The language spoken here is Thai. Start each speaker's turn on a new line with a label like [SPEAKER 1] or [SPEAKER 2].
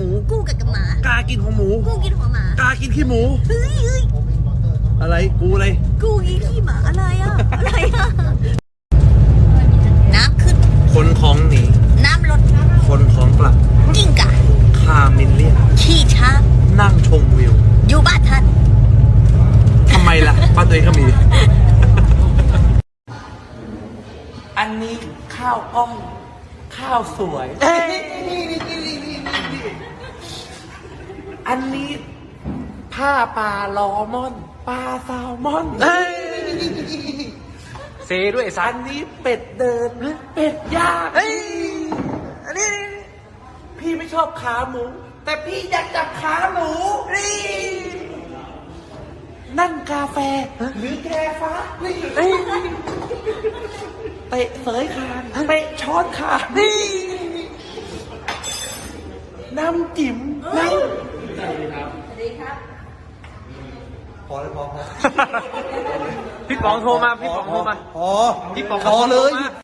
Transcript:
[SPEAKER 1] มูกูกัดกับหมาก
[SPEAKER 2] ากินหัวหมู
[SPEAKER 1] กูกินหัวหมาก
[SPEAKER 2] ากินขี้หมู
[SPEAKER 1] เฮ้ย
[SPEAKER 2] อะไรกูอะไร
[SPEAKER 1] กูกินขี้หมาอะไรอะไรน้ำขึ้น
[SPEAKER 2] คนของหนี
[SPEAKER 1] น้ำลด
[SPEAKER 2] คนของกลับ
[SPEAKER 1] กิ้งก่า
[SPEAKER 2] คามินเลียน
[SPEAKER 1] ขี้ช้าง
[SPEAKER 2] นั่งชมวิว
[SPEAKER 1] อยู่บ้านท่าน
[SPEAKER 2] ทำไมล่ะบ้านตัวเองก็มี อันนี้ข้าวกล้อง ข้าวสวย อันนี้ผ้าปลาลอมอน ปลาแซลมอนเซด้วยสันนี้เป็ดเดิน เป็ดย่างอันนี้พี่ไม่ชอบขาหมู แต่พี่อยากจับขาหมูนี่นั่งกาแฟหรือแกฟ้านี่เตะเสยคางเตะช้อนขานี่น้ำจิ๋มน้ำ พอแล้วพอ
[SPEAKER 3] พี่ป๋องโทรมา พี่ป๋องโทรมา
[SPEAKER 2] พอ
[SPEAKER 3] พี่ป๋อง
[SPEAKER 2] พอเลย
[SPEAKER 3] โทรมา